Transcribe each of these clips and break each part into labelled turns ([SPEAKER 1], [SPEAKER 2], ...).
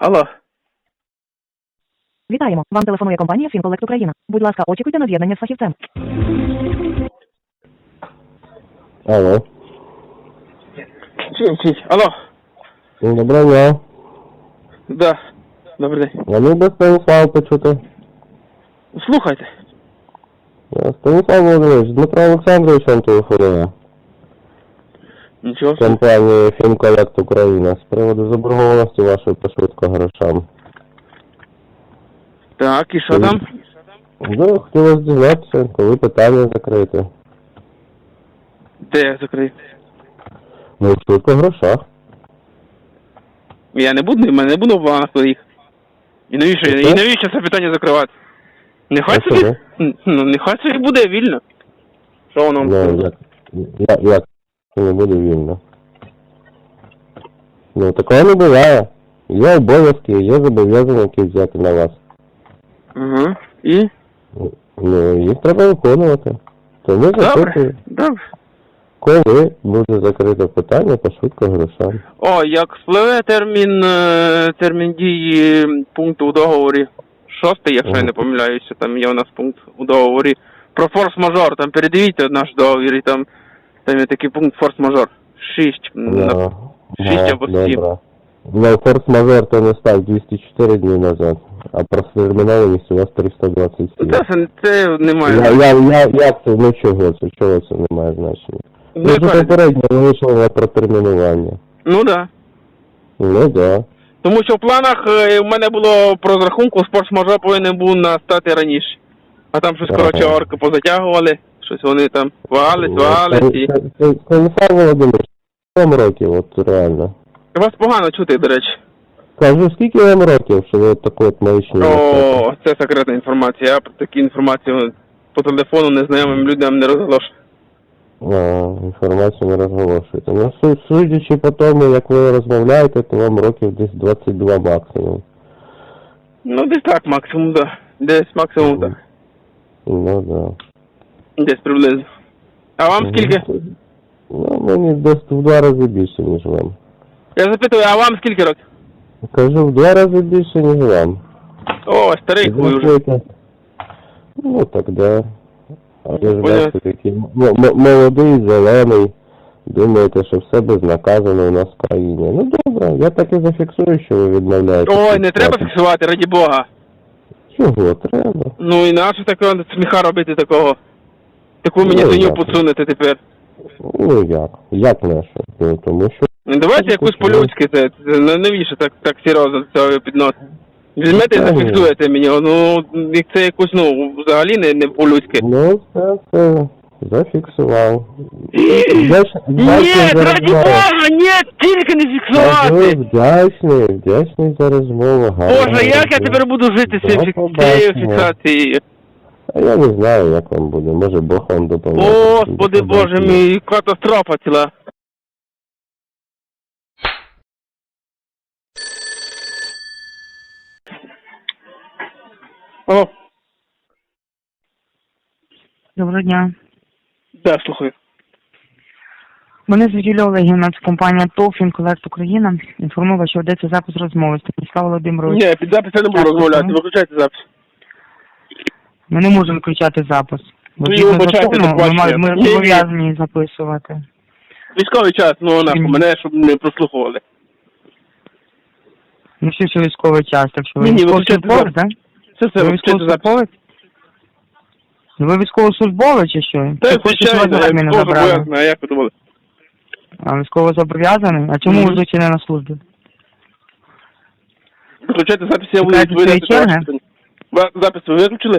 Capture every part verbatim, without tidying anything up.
[SPEAKER 1] Алло.
[SPEAKER 2] Вітаємо. Вам телефонує компанія Фінколект Україна. Будь ласка, очікуйте на з'єднання з фахівцем.
[SPEAKER 3] Алло.
[SPEAKER 1] Чуть, чуть. Алло.
[SPEAKER 3] Доброго дня.
[SPEAKER 1] Да. Добрий день.
[SPEAKER 3] Вони до Станіслав почути.
[SPEAKER 1] Слухайте.
[SPEAKER 3] Станіслав Володимирович, Дмитро Олександрович вам телефонує.
[SPEAKER 1] Нічого.
[SPEAKER 3] З компанії Фінколект Україна з приводу заборгованості вашої по швидкогрошам.
[SPEAKER 1] Так, і що там?
[SPEAKER 3] Ну, хотілося дізнатися, коли питання закрите.
[SPEAKER 1] Де я закрити?
[SPEAKER 3] Ну, в швидкогрошах.
[SPEAKER 1] Я не буду, в мене не буду в планах своїх. І навіщо, і навіщо це питання закривати? Нехай
[SPEAKER 3] А
[SPEAKER 1] собі,
[SPEAKER 3] чому?
[SPEAKER 1] ну, нехай собі буде вільно. Що воно?
[SPEAKER 3] Ну, як, як, як це не буде вільно? Ну, такого не буває. Є обов'язки, є зобов'язання, які взяти на вас.
[SPEAKER 1] Ага. І?
[SPEAKER 3] Ну, їх треба виконувати. Тому
[SPEAKER 1] Добре,
[SPEAKER 3] запитую,
[SPEAKER 1] добре.
[SPEAKER 3] коли буде закрите питання по швидкогрошам.
[SPEAKER 1] О, як спливе термін, е, термін дії пункту у договорі шостий, якщо я не помиляюся, там є у нас пункт у договорі про форс-мажор, там передивіться наш договір, і там, там є такий пункт форс-мажор. Шість, на- шість або сім.
[SPEAKER 3] Добре. Ну, форс-мажор то не став двісті чотири дні назад, а протермінованість у вас триста двадцять сім.
[SPEAKER 1] Це, це, це немає.
[SPEAKER 3] Я, я, я, як це? Ну чого це? Чого це не має значення?
[SPEAKER 1] Ну,
[SPEAKER 3] Ви ж
[SPEAKER 1] яка-
[SPEAKER 3] попередньо вийшли на протермінування.
[SPEAKER 1] ну да.
[SPEAKER 3] Ну, да.
[SPEAKER 1] Тому що в планах е, в мене було по розрахунку, форс-мажор повинен був настати раніше. А там щось, коротше,
[SPEAKER 3] Ага.
[SPEAKER 1] орки позатягували, щось вони там вагались, вагались і...
[SPEAKER 3] Станіслав Володимирович, скільки вам років, от реально?
[SPEAKER 1] Вас погано чути, до речі.
[SPEAKER 3] Кажу, скільки вам років, що ви от таку от маячню несете?
[SPEAKER 1] О, це секретна інформація. Я про таку інформацію по телефону незнайомим людям не розголошую.
[SPEAKER 3] А, інформацію не розголошуєте. Ну, су- судячи по тому, як ви розмовляєте, то вам років десь двадцять два максимум.
[SPEAKER 1] Ну, десь так, максимум, да. Десь максимум, так.
[SPEAKER 3] Ну, да.
[SPEAKER 1] Десь приблизно. А вам скільки?
[SPEAKER 3] Ну, мені десь в два рази більше, ніж вам.
[SPEAKER 1] Я запитую, а вам скільки років?
[SPEAKER 3] Кажу, в два рази більше, ніж вам.
[SPEAKER 1] О, старий хуй уже.
[SPEAKER 3] Знаєте, ну, так, да. А ви ж
[SPEAKER 1] Понятно.
[SPEAKER 3] бачите, такий м- м- молодий, зелений. Думаєте, що все безнаказано у нас в країні. Ну, добре, я так і зафіксую, що ви відмовляєте.
[SPEAKER 1] Ой, не треба фіксувати, раді Бога.
[SPEAKER 3] Чого треба?
[SPEAKER 1] Ну і нащо такого сміха робити такого? Таку мені
[SPEAKER 3] Ну,
[SPEAKER 1] свиню
[SPEAKER 3] як?
[SPEAKER 1] подсунути тепер.
[SPEAKER 3] Ну, як? Як наше? Ну, тому що...
[SPEAKER 1] Ну, давайте якусь по-людськи, це, це ну, навіщо так, так серйозно до цього підносити? Візьмете і
[SPEAKER 3] Та ні.
[SPEAKER 1] зафіксуєте мені, ну, як це якусь, ну, взагалі не, не по-людськи.
[SPEAKER 3] Ну, все, все, зафіксував.
[SPEAKER 1] Ні, раді Бога, ні, тільки не
[SPEAKER 3] Кажу,
[SPEAKER 1] фіксувати!
[SPEAKER 3] вдячний, вдячний за розмову.
[SPEAKER 1] Боже, як я тепер буду жити з цим фік- цією фіксацією?
[SPEAKER 3] А я не знаю, як вам буде. Може, Бог вам допоможе.
[SPEAKER 1] Господи Боже мій, катастрофа ціла. О,
[SPEAKER 2] Доброго дня.
[SPEAKER 1] да, слухаю.
[SPEAKER 2] Мене звуть Юлія Олегівна, це компанія ТОВ Фінколект Україна. Інформувала, що ведеться запис розмови. Станіслав Володимирович.
[SPEAKER 1] Ні, під запис я не буду
[SPEAKER 2] Так,
[SPEAKER 1] розмовляти,
[SPEAKER 2] ну.
[SPEAKER 1] виключайте запис.
[SPEAKER 2] Ми не можемо включати запис. Бо
[SPEAKER 1] Ви
[SPEAKER 2] згідно
[SPEAKER 1] вибачайте,
[SPEAKER 2] закону,
[SPEAKER 1] так
[SPEAKER 2] ми,
[SPEAKER 1] бачите.
[SPEAKER 2] ми
[SPEAKER 1] Ні, ні.
[SPEAKER 2] зобов'язані записувати.
[SPEAKER 1] Військовий час, ну нахуй,
[SPEAKER 2] Ні.
[SPEAKER 1] мене, щоб не прослухували.
[SPEAKER 2] Ну, всі що військовий час, так що ви
[SPEAKER 1] Ні, ні,
[SPEAKER 2] військовослужбовець, так?
[SPEAKER 1] Це все,
[SPEAKER 2] Ви
[SPEAKER 1] виключайте запис.
[SPEAKER 2] військовослужбовець? Ну, ви військовослужбовець чи що?
[SPEAKER 1] Та,
[SPEAKER 2] Чи хочете, щоб
[SPEAKER 1] звичайно,
[SPEAKER 2] вас
[SPEAKER 1] я
[SPEAKER 2] в армію не
[SPEAKER 1] теж
[SPEAKER 2] забрали?
[SPEAKER 1] боязна, а як ви думали?
[SPEAKER 2] А військово зобов'язаний? А чому
[SPEAKER 1] Мгм.
[SPEAKER 2] ви звичайно на службі?
[SPEAKER 1] Виключайте запис, я буду
[SPEAKER 2] Чекайте
[SPEAKER 1] відповідати
[SPEAKER 2] своєї
[SPEAKER 1] на
[SPEAKER 2] черги?
[SPEAKER 1] ваші питання. Ва- Запис ви виключили?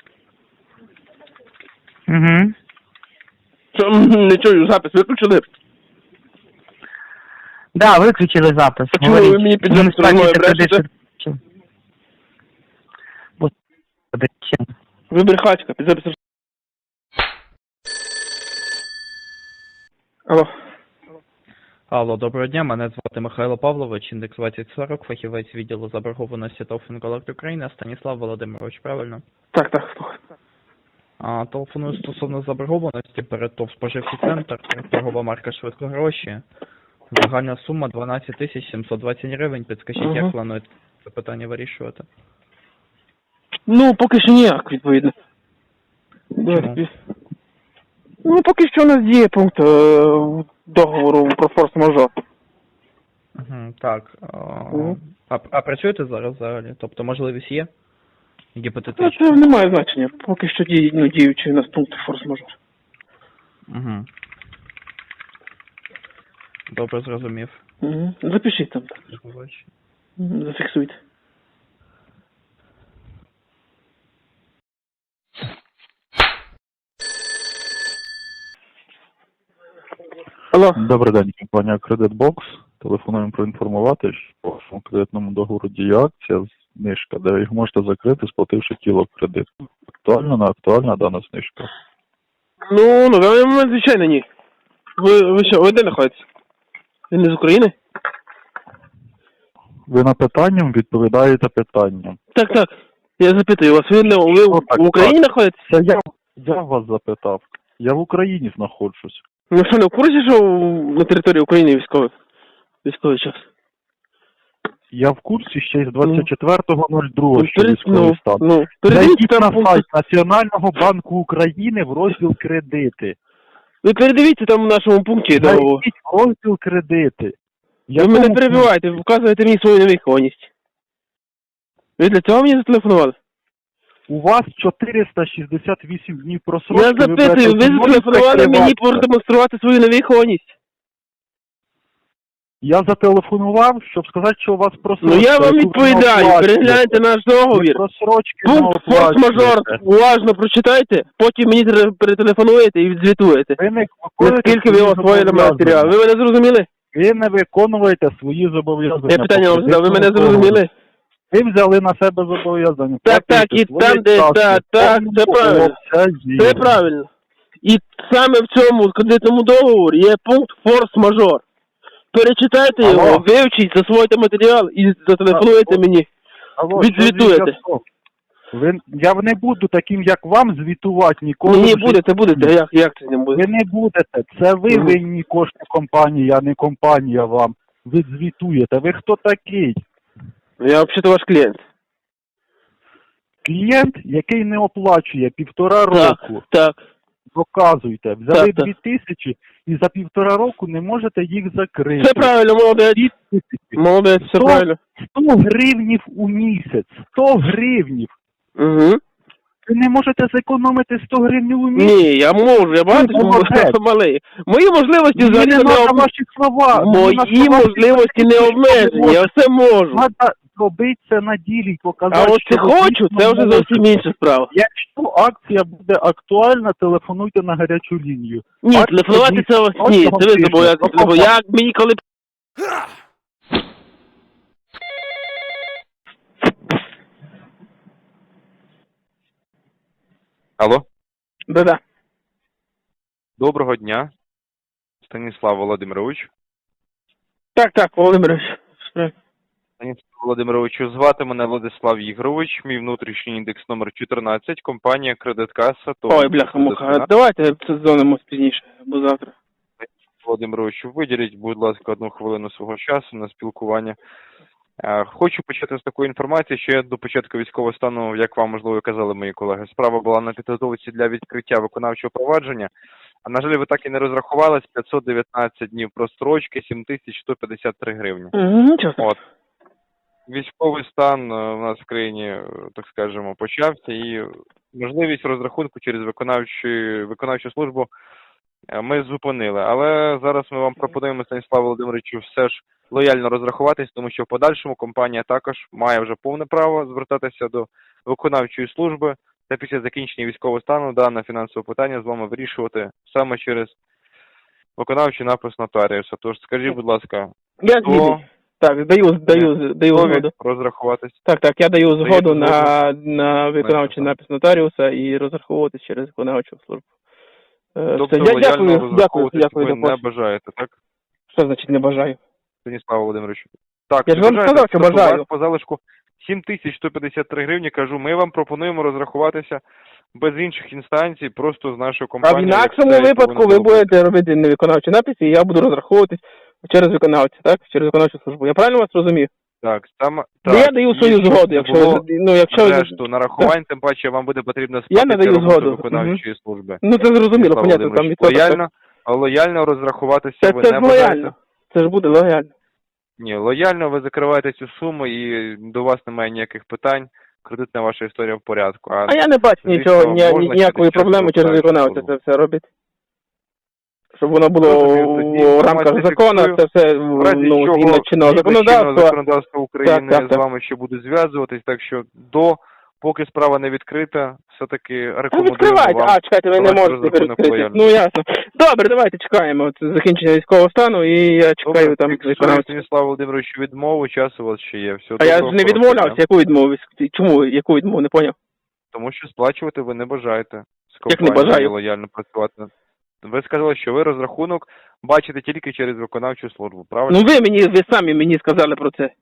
[SPEAKER 2] Угу.
[SPEAKER 1] Що, м, не чую, запис виключили?
[SPEAKER 2] Да, виключили запис.
[SPEAKER 1] А чому
[SPEAKER 2] Говоріть.
[SPEAKER 1] ви мені під
[SPEAKER 2] Ви не
[SPEAKER 1] запис розмови
[SPEAKER 2] сплачуєте кредит,
[SPEAKER 1] брешете?
[SPEAKER 2] що- Господи, чим?
[SPEAKER 1] Ви брехачка, під запис. Алло.
[SPEAKER 4] Алло, доброго дня, мене звати Михайло Павлович, індекс двадцять сорок, фахівець відділу заборгованості ТОВ Фінколект Україна, Станіслав Володимирович, правильно?
[SPEAKER 1] Так, так, слухай.
[SPEAKER 4] А, телефоную стосовно заборгованості перед ТОВ «Споживчий центр», торгова марка «Швидкогроші». Загальна сума дванадцять тисяч сімсот двадцять гривень. Підскажіть,
[SPEAKER 1] Ага.
[SPEAKER 4] як плануєте це питання вирішувати?
[SPEAKER 1] Ну, поки що ніяк, відповідно.
[SPEAKER 4] Чому?
[SPEAKER 1] Ну, поки що у нас діє пункт е, договору про форс-мажор.
[SPEAKER 4] Угу, так. А,
[SPEAKER 1] Мгм.
[SPEAKER 4] а, а працюєте зараз взагалі? Тобто можливість є?
[SPEAKER 1] Ну,
[SPEAKER 4] Гіпотетично?
[SPEAKER 1] це не має значення. Поки що діє, ну, діючий у нас пункт форс-мажор.
[SPEAKER 4] Угу. Добре, зрозумів.
[SPEAKER 1] Угу. Запишіть там. Так.
[SPEAKER 4] До побачення.
[SPEAKER 1] Мгм, зафіксуйте. Алло.
[SPEAKER 5] Добрий день, компанія Кредитбокс. Телефонуємо проінформувати, що по вашому кредитному договору діє акція знижка, де ви їх можете закрити, сплативши тіло кредиту. Актуальна, не актуальна дана знижка?
[SPEAKER 1] Ну, на даний момент, звичайно, ні. Ви, ви що, ви де знаходитесь? Ви не з України?
[SPEAKER 5] Ви на питанням відповідаєте питанням.
[SPEAKER 1] Так, так. Я запитую вас, ви, не, ви
[SPEAKER 5] Ну, так,
[SPEAKER 1] в Україні знаходитесь?
[SPEAKER 5] Це я, я вас запитав. Я в Україні знаходжусь.
[SPEAKER 1] Ну що, не в курсі, що на території України військовий? Військовий час?
[SPEAKER 5] Я в курсі ще й з двадцять четвертого нуль другого, що
[SPEAKER 1] перед-
[SPEAKER 5] військовий
[SPEAKER 1] ну,
[SPEAKER 5] стан.
[SPEAKER 1] ну, передивіться
[SPEAKER 5] Зайдіть
[SPEAKER 1] там
[SPEAKER 5] на
[SPEAKER 1] пункт.
[SPEAKER 5] сайт Національного банку України в розділ кредити.
[SPEAKER 1] Ви передивіться там в нашому пункті договору.
[SPEAKER 5] Зайдіть в розділ кредити.
[SPEAKER 1] Ви мене перебиваєте, ви вказуєте мені свою невихованість. Ви для цього мені зателефонували?
[SPEAKER 5] У вас чотириста шістдесят вісім днів просрочки.
[SPEAKER 1] Я
[SPEAKER 5] ви
[SPEAKER 1] запитую,
[SPEAKER 5] берете
[SPEAKER 1] ви
[SPEAKER 5] зі мною
[SPEAKER 1] зателефонували мені
[SPEAKER 5] прикриватися.
[SPEAKER 1] продемонструвати свою невихованість?
[SPEAKER 5] Я зателефонував, щоб сказати, що у вас просрочка.
[SPEAKER 1] Ну я вам
[SPEAKER 5] яку ви не
[SPEAKER 1] відповідаю,
[SPEAKER 5] оплачуєте.
[SPEAKER 1] перегляньте наш
[SPEAKER 5] Ви
[SPEAKER 1] договір.
[SPEAKER 5] просрочки не
[SPEAKER 1] Пункт форс-мажор
[SPEAKER 5] оплачуєте.
[SPEAKER 1] уважно прочитайте, потім мені тре- перетелефонуєте і відзвітуєте.
[SPEAKER 5] Ви не виконуєте
[SPEAKER 1] Наскільки ви
[SPEAKER 5] свої
[SPEAKER 1] освоїли матеріал.
[SPEAKER 5] зобов'язання.
[SPEAKER 1] Ви мене зрозуміли?
[SPEAKER 5] Ви не виконуєте свої зобов'язання.
[SPEAKER 1] Я питання
[SPEAKER 5] по
[SPEAKER 1] вам задав, ви мене
[SPEAKER 5] кредитному
[SPEAKER 1] зрозуміли?
[SPEAKER 5] договору. Ви взяли на себе зобов'язання.
[SPEAKER 1] Так, так, і
[SPEAKER 5] Платите
[SPEAKER 1] там,
[SPEAKER 5] свої
[SPEAKER 1] де-
[SPEAKER 5] ставки
[SPEAKER 1] так,
[SPEAKER 5] в
[SPEAKER 1] так,
[SPEAKER 5] повному
[SPEAKER 1] це правильно.
[SPEAKER 5] обсязі.
[SPEAKER 1] Це правильно. І саме в цьому кредитному договорі є пункт форс-мажор. Перечитайте
[SPEAKER 5] Алло.
[SPEAKER 1] його, вивчіть, засвойте матеріал і зателефонуйте
[SPEAKER 5] А,
[SPEAKER 1] мені.
[SPEAKER 5] Алло, що
[SPEAKER 1] Відзвітуєте.
[SPEAKER 5] зв'язок? Ви, я не буду таким, як вам, звітувати ніколи.
[SPEAKER 1] Ні, ні,
[SPEAKER 5] в житті.
[SPEAKER 1] будете, будете. Як, як це не буде?
[SPEAKER 5] Ви не будете. Це ви
[SPEAKER 1] Мгм.
[SPEAKER 5] винні кошти компанії, а не компанія вам. Ви звітуєте. Ви хто такий?
[SPEAKER 1] Я взагалі ваш клієнт.
[SPEAKER 5] Клієнт, який не оплачує півтора
[SPEAKER 1] Так,
[SPEAKER 5] року.
[SPEAKER 1] так.
[SPEAKER 5] Доказуйте. Взяли
[SPEAKER 1] Так, так.
[SPEAKER 5] дві тисячі і за півтора року не можете їх закрити.
[SPEAKER 1] Все правильно, молодець.
[SPEAKER 5] Дві тисячі.
[SPEAKER 1] Молодець, все
[SPEAKER 5] Сто-
[SPEAKER 1] правильно.
[SPEAKER 5] сто гривнів у місяць. сто гривнів.
[SPEAKER 1] Угу.
[SPEAKER 5] Ви не можете зекономити сто гривнів у місяць?
[SPEAKER 1] Ні, я можу, я багато
[SPEAKER 5] Ну,
[SPEAKER 1] чому
[SPEAKER 5] молодець.
[SPEAKER 1] малий. Мої можливості
[SPEAKER 5] Мені
[SPEAKER 1] взагалі
[SPEAKER 5] не
[SPEAKER 1] не
[SPEAKER 5] треба
[SPEAKER 1] обмежені.
[SPEAKER 5] ваші слова. Мені
[SPEAKER 1] Мої
[SPEAKER 5] на словах
[SPEAKER 1] можливості не
[SPEAKER 5] що ви
[SPEAKER 1] обмежені, я
[SPEAKER 5] можете.
[SPEAKER 1] все можу.
[SPEAKER 5] Треба зробити це на ділі, показати,
[SPEAKER 1] А от
[SPEAKER 5] що
[SPEAKER 1] чи
[SPEAKER 5] ви
[SPEAKER 1] хочу,
[SPEAKER 5] дійсно
[SPEAKER 1] це вже
[SPEAKER 5] можете.
[SPEAKER 1] зовсім інша справа.
[SPEAKER 5] Якщо акція буде актуальна, телефонуйте на гарячу лінію.
[SPEAKER 1] Ні,
[SPEAKER 5] Акція
[SPEAKER 1] телефонувати
[SPEAKER 5] дійсно
[SPEAKER 1] це ні,
[SPEAKER 5] протягом
[SPEAKER 1] це ви
[SPEAKER 5] тижня.
[SPEAKER 1] зобов'язані
[SPEAKER 5] До
[SPEAKER 1] телефонувати.
[SPEAKER 5] побачення.
[SPEAKER 1] Як мені коли...
[SPEAKER 6] Алло,
[SPEAKER 1] Да-да.
[SPEAKER 6] доброго дня, Станіслав Володимирович.
[SPEAKER 1] Так, так, Володимирович.
[SPEAKER 6] Станіслав Володимировичу, звати мене Владислав Ігорович, мій внутрішній індекс номер чотирнадцять, компанія Кредиткаса.
[SPEAKER 1] Ой, бляха-муха, давайте це зонимось пізніше, або завтра.
[SPEAKER 6] Володимировичу, виділіть, будь ласка, одну хвилину свого часу на спілкування. Е, Хочу почати з такої інформації, що я до початку військового стану, як вам, можливо, казали мої колеги, справа була на підготовці для відкриття виконавчого провадження. А, на жаль, ви так і не розрахувались, п'ятсот дев'ятнадцять днів прострочки, сім тисяч сто п'ятдесят три гривні.
[SPEAKER 1] Угу, нічого.
[SPEAKER 6] От. Військовий стан е, у нас в країні, е, так скажемо, почався, і можливість розрахунку через виконавчу, виконавчу службу е, ми зупинили. Але зараз ми вам пропонуємо, Станіславу Володимировичу, все ж лояльно розрахуватись, тому що в подальшому компанія також має вже повне право звертатися до виконавчої служби та після закінчення військового стану дане фінансове питання з вами вирішувати саме через виконавчий напис нотаріуса. Тож скажіть, будь ласка,
[SPEAKER 1] Я
[SPEAKER 6] хто
[SPEAKER 1] згідний. Так, даю, даю, даю
[SPEAKER 6] готові
[SPEAKER 1] згоду.
[SPEAKER 6] розрахуватись?
[SPEAKER 1] Так, так, я даю
[SPEAKER 6] Даєте
[SPEAKER 1] згоду
[SPEAKER 6] згоду?
[SPEAKER 1] на, на виконавчий
[SPEAKER 6] так.
[SPEAKER 1] напис нотаріуса і розраховуватись через виконавчу службу. Е,
[SPEAKER 6] Тобто
[SPEAKER 1] все, я
[SPEAKER 6] лояльно
[SPEAKER 1] дякую, дякую,
[SPEAKER 6] розраховуватись
[SPEAKER 1] дякую
[SPEAKER 6] ви
[SPEAKER 1] за
[SPEAKER 6] не
[SPEAKER 1] помощь.
[SPEAKER 6] бажаєте, так,
[SPEAKER 1] Що значить не бажаю?
[SPEAKER 6] Станіслав Володимирович? Так,
[SPEAKER 1] Я
[SPEAKER 6] не
[SPEAKER 1] ж вам
[SPEAKER 6] бажаєте,
[SPEAKER 1] сказав, що
[SPEAKER 6] тобто у
[SPEAKER 1] бажаю.
[SPEAKER 6] вас по залишку сім тисяч сто п'ятдесят три гривні, кажу, ми вам пропонуємо розрахуватися без інших інстанцій, просто з нашою
[SPEAKER 1] А в
[SPEAKER 6] компанією.
[SPEAKER 1] інакшому
[SPEAKER 6] як це і
[SPEAKER 1] випадку
[SPEAKER 6] повинно
[SPEAKER 1] ви
[SPEAKER 6] було бути.
[SPEAKER 1] будете робити невиконавчі написи, і я буду розраховуватись через виконавця, так? Через виконавчу службу. Я правильно вас розумію?
[SPEAKER 6] Так, там
[SPEAKER 1] Ну,
[SPEAKER 6] так,
[SPEAKER 1] я даю свою
[SPEAKER 6] і щоб
[SPEAKER 1] згоду,
[SPEAKER 6] не
[SPEAKER 1] якщо
[SPEAKER 6] було
[SPEAKER 1] ви, ну, якщо ви...
[SPEAKER 6] решту нарахувань, тим паче вам буде потрібно
[SPEAKER 1] Я
[SPEAKER 6] сплатити
[SPEAKER 1] надаю
[SPEAKER 6] роботу
[SPEAKER 1] згоду.
[SPEAKER 6] виконавчої служби.
[SPEAKER 1] Ну, це зрозуміло,
[SPEAKER 6] Станіслав
[SPEAKER 1] понятно, там
[SPEAKER 6] Володимирович,
[SPEAKER 1] відсоток.
[SPEAKER 6] лояльно, а лояльно розрахуватися
[SPEAKER 1] Це,
[SPEAKER 6] ви
[SPEAKER 1] це
[SPEAKER 6] не
[SPEAKER 1] ж
[SPEAKER 6] бажаєте?
[SPEAKER 1] лояльно. Це ж буде лояльно.
[SPEAKER 6] Ні, лояльно ви закриваєте цю суму і до вас немає ніяких питань, кредитна ваша історія в порядку. А,
[SPEAKER 1] А я не бачу
[SPEAKER 6] звісно,
[SPEAKER 1] нічого, ні,
[SPEAKER 6] можна
[SPEAKER 1] ні- ніякої
[SPEAKER 6] через
[SPEAKER 1] проблеми через
[SPEAKER 6] виконавчу
[SPEAKER 1] виконавця
[SPEAKER 6] службу.
[SPEAKER 1] це все робити. Щоб воно було
[SPEAKER 6] Розумію, тоді
[SPEAKER 1] в, в рамках
[SPEAKER 6] інформацію
[SPEAKER 1] закону,
[SPEAKER 6] фіксую.
[SPEAKER 1] це все
[SPEAKER 6] В разі
[SPEAKER 1] ну,
[SPEAKER 6] чого,
[SPEAKER 1] згідно чинного
[SPEAKER 6] згідно чинного
[SPEAKER 1] законодавства.
[SPEAKER 6] законодавства України
[SPEAKER 1] Так, так, так.
[SPEAKER 6] з вами ще буде зв'язуватись, так що до, поки справа не відкрита, все-таки
[SPEAKER 1] А
[SPEAKER 6] рекомендуємо
[SPEAKER 1] відкривайте,
[SPEAKER 6] вам.
[SPEAKER 1] а чекайте, ви не
[SPEAKER 6] провести
[SPEAKER 1] можете
[SPEAKER 6] розрахунок
[SPEAKER 1] відкрити.
[SPEAKER 6] лояльності.
[SPEAKER 1] Ну ясно. Добре, давайте чекаємо от закінчення військового стану і я чекаю
[SPEAKER 6] Добре,
[SPEAKER 1] там
[SPEAKER 6] фіксую,
[SPEAKER 1] виконавця.
[SPEAKER 6] Станіслав Володимирович, відмову, час у вас ще є. Все,
[SPEAKER 1] А я ж
[SPEAKER 6] доброго,
[SPEAKER 1] не
[SPEAKER 6] хорошого
[SPEAKER 1] відмовлявся,
[SPEAKER 6] дня.
[SPEAKER 1] яку відмову? Чому, яку відмову, не поняв?
[SPEAKER 6] Тому що сплачувати ви не бажаєте з
[SPEAKER 1] Як не
[SPEAKER 6] компанією
[SPEAKER 1] бажаю?
[SPEAKER 6] лояльно працювати. Ви сказали, що ви розрахунок бачите тільки через виконавчу службу, правильно?
[SPEAKER 1] Ну ви мені, ви самі мені сказали про це.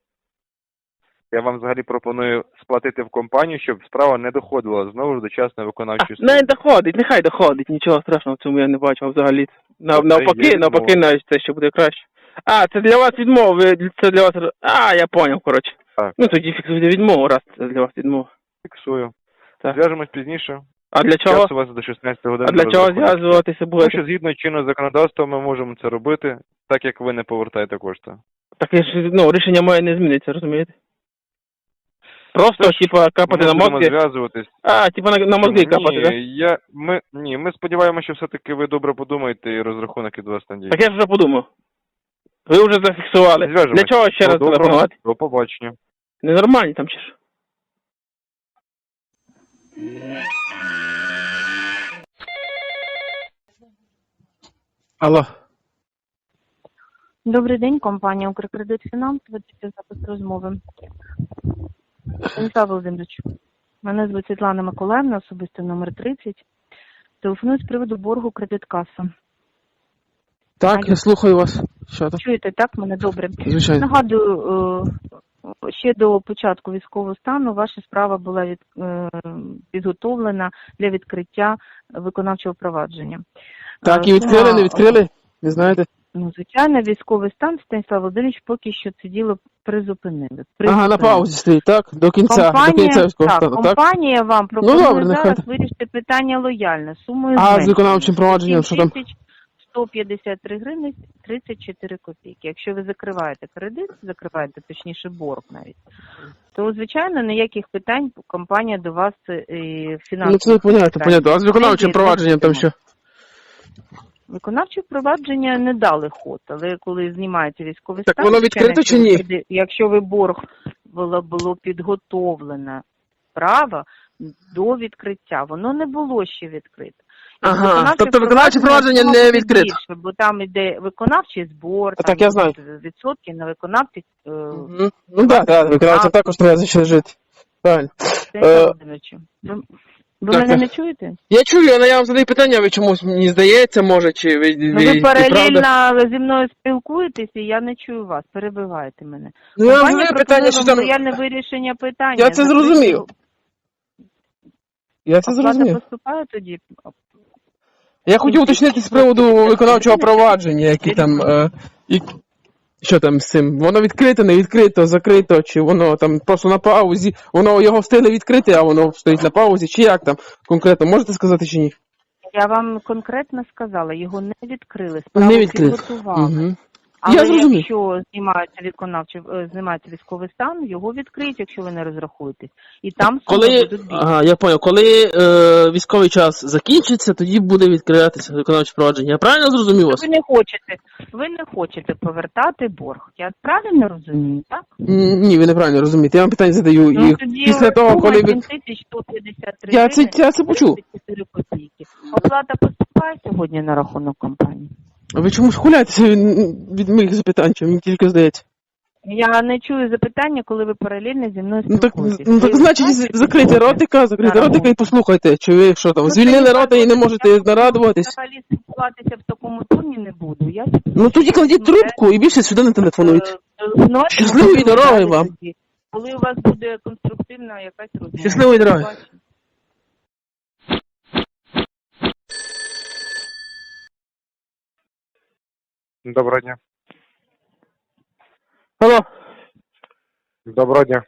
[SPEAKER 6] Я вам взагалі пропоную сплатити в компанію, щоб справа не доходила знову ж до частної виконавчої
[SPEAKER 1] А, не
[SPEAKER 6] служби.
[SPEAKER 1] доходить, нехай доходить, нічого страшного в цьому я не бачив взагалі. Нав,
[SPEAKER 6] Оце
[SPEAKER 1] навпаки,
[SPEAKER 6] є
[SPEAKER 1] навпаки,
[SPEAKER 6] відмова.
[SPEAKER 1] навіть це ще буде краще. А, це для вас відмова, ви, це для вас... А, я поняв, коротше.
[SPEAKER 6] Так.
[SPEAKER 1] Ну тоді фіксуйте відмову, раз це для вас відмова.
[SPEAKER 6] Фіксую.
[SPEAKER 1] Так.
[SPEAKER 6] Зв'яжемось пізніше.
[SPEAKER 1] А для чого?
[SPEAKER 6] Час у вас до шістнадцятої години.
[SPEAKER 1] А для чого
[SPEAKER 6] розрахунок.
[SPEAKER 1] зв'язуватися
[SPEAKER 6] Тому
[SPEAKER 1] будете?
[SPEAKER 6] що згідно чинного законодавства ми можемо це робити, так як ви не повертаєте кошти.
[SPEAKER 1] Так я ж, ну, рішення моє не зміниться, розумієте? Просто,
[SPEAKER 6] Тож,
[SPEAKER 1] типа, капати
[SPEAKER 6] Ми
[SPEAKER 1] на
[SPEAKER 6] будемо
[SPEAKER 1] мозги.
[SPEAKER 6] зв'язуватись.
[SPEAKER 1] А, типа на, на мозги капати,
[SPEAKER 6] ні,
[SPEAKER 1] так?
[SPEAKER 6] я, ми, ні, ми сподіваємося, що все-таки ви добре подумаєте і розрахунок від вас надійде.
[SPEAKER 1] Так я ж вже подумав. Ви вже зафіксували.
[SPEAKER 6] Зв'яжемось.
[SPEAKER 1] Для чого ще раз
[SPEAKER 6] Всього доброго.
[SPEAKER 1] телефонувати?
[SPEAKER 6] До побачення.
[SPEAKER 1] Ненормальні там чи ж? Алло.
[SPEAKER 7] Добрий день, компанія «Укркредит Фінанс». Ведеться запис розмови. Станіслав Володимирович, мене звуть Світлана Миколаївна, особисто номер тридцять. Телефоную з приводу боргу «Кредиткаса».
[SPEAKER 1] Так, я слухаю вас. Що там?
[SPEAKER 7] Чуєте, так? Мене добре.
[SPEAKER 1] Звичайно.
[SPEAKER 7] Нагадую, е, ще до початку військового стану ваша справа була від, е, підготовлена для відкриття виконавчого провадження.
[SPEAKER 1] Так,
[SPEAKER 7] Е,
[SPEAKER 1] і відкрили,
[SPEAKER 7] сума-
[SPEAKER 1] не відкрили? Не знаєте?
[SPEAKER 7] Ну, звичайно, військовий стан, Станіслав Володимирович, поки що це діло призупинили.
[SPEAKER 1] Ага, на
[SPEAKER 7] Призупинили.
[SPEAKER 1] паузі стоїть, так? До кінця,
[SPEAKER 7] Компанія,
[SPEAKER 1] до кінця військового
[SPEAKER 7] так,
[SPEAKER 1] стану, так?
[SPEAKER 7] компанія вам пропонує
[SPEAKER 1] Ну, добре, нехай
[SPEAKER 7] зараз
[SPEAKER 1] так.
[SPEAKER 7] вирішити питання лояльно, сумою
[SPEAKER 1] А з
[SPEAKER 7] зменшення.
[SPEAKER 1] виконавчим провадженням, що там?
[SPEAKER 7] сім тисяч сто п'ятдесят три гривні тридцять чотири копійки. Якщо ви закриваєте кредит, закриваєте, точніше, борг навіть, то, звичайно, ніяких питань компанія до вас і фінансово.
[SPEAKER 1] Ну, це понятно, понятно. А з виконавчим провадженням там що?
[SPEAKER 7] Виконавче впровадження не дали ход, але коли знімається військовий
[SPEAKER 1] Так
[SPEAKER 7] стан...
[SPEAKER 1] воно
[SPEAKER 7] звичайно,
[SPEAKER 1] відкрито чи
[SPEAKER 7] якщо
[SPEAKER 1] ні?
[SPEAKER 7] ви- Якщо ви борг було, було підготовлено право до відкриття, воно не було ще відкрите. І
[SPEAKER 1] Ага,
[SPEAKER 7] виконавче
[SPEAKER 1] тобто виконавче провадження
[SPEAKER 7] воно
[SPEAKER 1] не
[SPEAKER 7] буде
[SPEAKER 1] відкрите.
[SPEAKER 7] більше, бо там іде виконавчий збор,
[SPEAKER 1] А
[SPEAKER 7] там
[SPEAKER 1] так я знаю.
[SPEAKER 7] йдуть відсотки на виконавці. е,
[SPEAKER 1] Мгм. Ну так, так, виконавцям також треба за що жити. Правильно.
[SPEAKER 7] Станіслав
[SPEAKER 1] Е,
[SPEAKER 7] Володимирович, Ви, ви
[SPEAKER 1] так,
[SPEAKER 7] мене
[SPEAKER 1] так.
[SPEAKER 7] не чуєте?
[SPEAKER 1] Я чую, але я вам задаю питання, ви чомусь мені здається, може, чи ви,
[SPEAKER 7] Ну,
[SPEAKER 1] ви,
[SPEAKER 7] ви
[SPEAKER 1] і правда?
[SPEAKER 7] паралельно зі мною спілкуєтесь, і я не чую вас, перебиваєте мене.
[SPEAKER 1] Ну, я вам
[SPEAKER 7] Компанія
[SPEAKER 1] задаю питання,
[SPEAKER 7] пропонує
[SPEAKER 1] що
[SPEAKER 7] вам
[SPEAKER 1] там...
[SPEAKER 7] лояльне вирішення питання.
[SPEAKER 1] Я це
[SPEAKER 7] Закрити-
[SPEAKER 1] зрозумів. Я це
[SPEAKER 7] Оплата
[SPEAKER 1] зрозумів.
[SPEAKER 7] поступає тоді?
[SPEAKER 1] Я хотів уточнити з приводу виконавчого провадження, які там, е, і, що там з цим, воно відкрите, не відкрито, закрито, чи воно там просто на паузі, воно його встигли відкрити, а воно стоїть на паузі, чи як там конкретно, можете сказати чи ні?
[SPEAKER 7] Я вам конкретно сказала, його не відкрили, справу
[SPEAKER 1] Не відкрили.
[SPEAKER 7] підготували.
[SPEAKER 1] Угу.
[SPEAKER 7] Але
[SPEAKER 1] Я зрозумів.
[SPEAKER 7] якщо знімається виконавчий, е, знімається військовий стан, його відкриють, якщо ви не розрахуєтесь. І там суми
[SPEAKER 1] Коли,
[SPEAKER 7] будуть більше.
[SPEAKER 1] ага, я понял, коли е, військовий час закінчиться, тоді буде відкриватися виконавче провадження. Я правильно зрозумів вас?
[SPEAKER 7] Ви не хочете, ви не хочете повертати борг. Я правильно розумію, так?
[SPEAKER 1] М, Ні, ви неправильно розумієте. Я вам питання задаю.
[SPEAKER 7] Ну,
[SPEAKER 1] І
[SPEAKER 7] тоді
[SPEAKER 1] після того,
[SPEAKER 7] сума
[SPEAKER 1] коли ви...
[SPEAKER 7] сім тисяч сто п'ятдесят три
[SPEAKER 1] Я це, я це почув.
[SPEAKER 7] тридцять чотири копійки. Оплата поступає сьогодні на рахунок компанії?
[SPEAKER 1] А ви чомусь хуляєтеся від, від моїх запитань, чи мені тільки здається?
[SPEAKER 7] Я не чую запитання, коли ви паралельно зі мною
[SPEAKER 1] Ну так,
[SPEAKER 7] спілкуєтесь.
[SPEAKER 1] ну, так
[SPEAKER 7] Ви
[SPEAKER 1] значить,
[SPEAKER 7] знаєте,
[SPEAKER 1] закрийте
[SPEAKER 7] що
[SPEAKER 1] ротика, закрийте
[SPEAKER 7] на
[SPEAKER 1] ротика і
[SPEAKER 7] рахунок?
[SPEAKER 1] послухайте, чи ви що там,
[SPEAKER 7] Ну,
[SPEAKER 1] звільнили
[SPEAKER 7] це
[SPEAKER 1] рота і не
[SPEAKER 7] я
[SPEAKER 1] можете
[SPEAKER 7] я
[SPEAKER 1] нарадуватись.
[SPEAKER 7] Взагалі спілкуватися в такому тоні не буду. Я
[SPEAKER 1] Ну тоді кладіть трубку і більше сюди не телефонуйте.
[SPEAKER 7] Е,
[SPEAKER 1] Щасливої дороги вам.
[SPEAKER 7] Коли у вас буде конструктивна якась розмова.
[SPEAKER 1] Щасливої дороги.
[SPEAKER 7] Бачу.
[SPEAKER 6] Доброго дня.
[SPEAKER 1] Алло,
[SPEAKER 6] Доброго дня.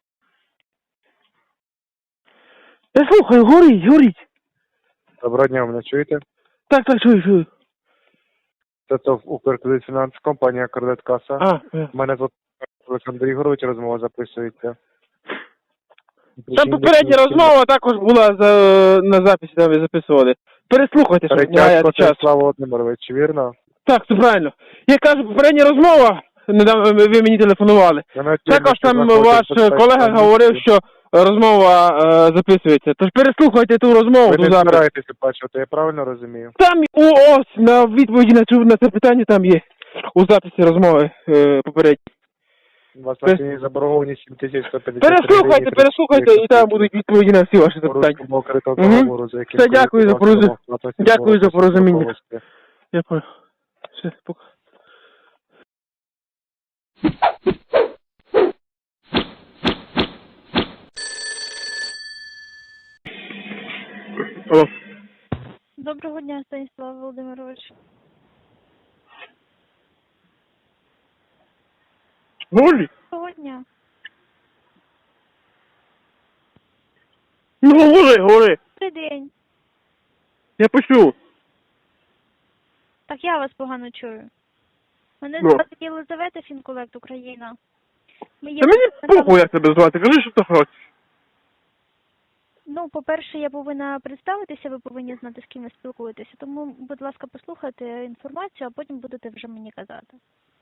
[SPEAKER 1] Я слухаю, горіть, горіть.
[SPEAKER 6] Доброго дня, мене чуєте?
[SPEAKER 1] Так, так, чую, чую.
[SPEAKER 6] Це ТОВ Укркредитфінанс, компанія Кредиткаса.
[SPEAKER 1] А, е.
[SPEAKER 6] Мене звати Олександр Ігорович, розмова записується.
[SPEAKER 1] Там попередня розмова також була за, на записі, там ви записували. Переслухайте, щоб не
[SPEAKER 6] Перетячко
[SPEAKER 1] гаяти час.
[SPEAKER 6] Станіслав Володимирович, вірно?
[SPEAKER 1] Так, це правильно. Я кажу, попередня розмова, недавно ви ви мені телефонували. Також там ваш колега говорив, що розмова е, записується. Тож переслухайте ту розмову.
[SPEAKER 6] Ви
[SPEAKER 1] ту
[SPEAKER 6] не
[SPEAKER 1] запис.
[SPEAKER 6] збираєтеся бачити, я правильно розумію?
[SPEAKER 1] Там у ось на відповіді на, цю, на це питання там є у записі розмови е, попередньої.
[SPEAKER 6] У вас на сьогодні заборгованість сім тисяч сто п'ятдесят три
[SPEAKER 1] Переслухайте,
[SPEAKER 6] гривні
[SPEAKER 1] переслухайте, і там будуть відповіді на всі ваші
[SPEAKER 6] по
[SPEAKER 1] запитання.
[SPEAKER 6] руському кредитному
[SPEAKER 1] Мгм.
[SPEAKER 6] договору, за яким
[SPEAKER 1] Все, дякую за порозуміння.
[SPEAKER 6] користувався
[SPEAKER 1] Дякую за порозуміння.
[SPEAKER 6] Володимирович.
[SPEAKER 1] Я понял. Все, пока. Алло.
[SPEAKER 8] Доброго дня, Станіслав Володимирович.
[SPEAKER 1] Голі?
[SPEAKER 8] Доброго дня.
[SPEAKER 1] Ну, говори, говори.
[SPEAKER 8] Добрий день.
[SPEAKER 1] Я почув.
[SPEAKER 8] Так я вас погано чую. Мене
[SPEAKER 1] Ну.
[SPEAKER 8] звати Єлизавета, Фінколект Україна. Ми є
[SPEAKER 1] Та мені похуй, як тебе звати. Кажи, що ти хочеш.
[SPEAKER 8] Ну, по-перше, я повинна представитися, ви повинні знати, з ким ви спілкуєтеся. Тому, будь ласка, послухайте інформацію, а потім будете вже мені казати.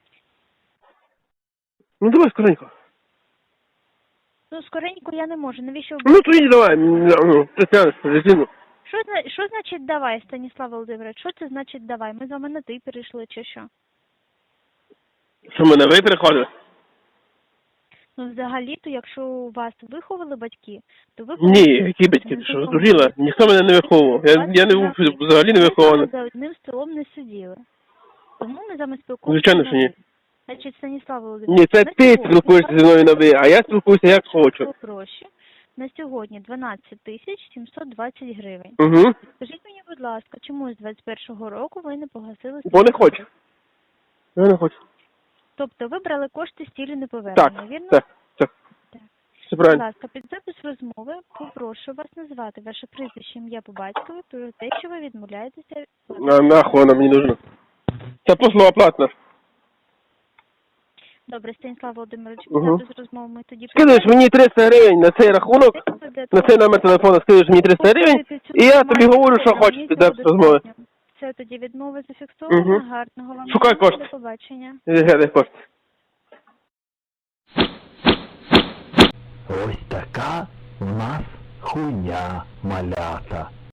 [SPEAKER 1] Ну, давай скоренько.
[SPEAKER 8] Ну, скоренько я не можу. Навіщо ви...
[SPEAKER 1] Ну, тоді давай. Ну, ти тянеш резину.
[SPEAKER 8] Що, зна- що значить давай, Станіслав Володимирович? Що це значить давай? Ми з вами на ти перейшли, чи що?
[SPEAKER 1] Що, мене ви переходили?
[SPEAKER 8] Ну, взагалі-то, якщо вас виховали батьки, то ви...
[SPEAKER 1] Ні, які батьки, ти що, здуріла? Ніхто мене не виховував. Я, я не взагалі не вихований.
[SPEAKER 8] За одним столом не сиділи. Тому ми з вами спілкуємося.
[SPEAKER 1] Звичайно, що ні.
[SPEAKER 8] Значить, Станіслав Володимирович...
[SPEAKER 1] Ні, це
[SPEAKER 8] на
[SPEAKER 1] ти
[SPEAKER 8] сьогодні
[SPEAKER 1] спілкуєшся зі мною на ви, а я спілкуюся як хочу.
[SPEAKER 8] Гроші. На сьогодні дванадцять тисяч сімсот двадцять гривень.
[SPEAKER 1] Угу.
[SPEAKER 8] Скажіть мені, будь ласка, чому з двадцять першого року ви не погасили...
[SPEAKER 1] Бо не хочу. Я не хочу.
[SPEAKER 8] Тобто ви брали кошти стілі неповернення,
[SPEAKER 1] Так,
[SPEAKER 8] вірно?
[SPEAKER 1] так, так.
[SPEAKER 8] Так.
[SPEAKER 1] Все
[SPEAKER 8] Будь
[SPEAKER 1] правильно.
[SPEAKER 8] ласка, під запис розмови попрошу вас назвати ваше прізвище, ім'я по батькові, про те, що ви відмовляєтеся...
[SPEAKER 1] На, нахуй вона мені нужна. Це послуга платна.
[SPEAKER 8] Добре, Станіслав Володимирович, під
[SPEAKER 1] Угу.
[SPEAKER 8] запис розмови ми тоді...
[SPEAKER 1] Скидаєш мені триста гривень на цей рахунок, на цей номер телефону скидаєш мені триста гривень, і я тобі говорю, що хочеш під запис розмови.
[SPEAKER 8] Це тоді відмова зафіксована,
[SPEAKER 1] Угу.
[SPEAKER 8] гарного вам
[SPEAKER 1] Шукай
[SPEAKER 8] дня,
[SPEAKER 1] кошти.
[SPEAKER 8] до побачення.
[SPEAKER 1] Глядай кошти.
[SPEAKER 9] Ось така у нас хуйня малята.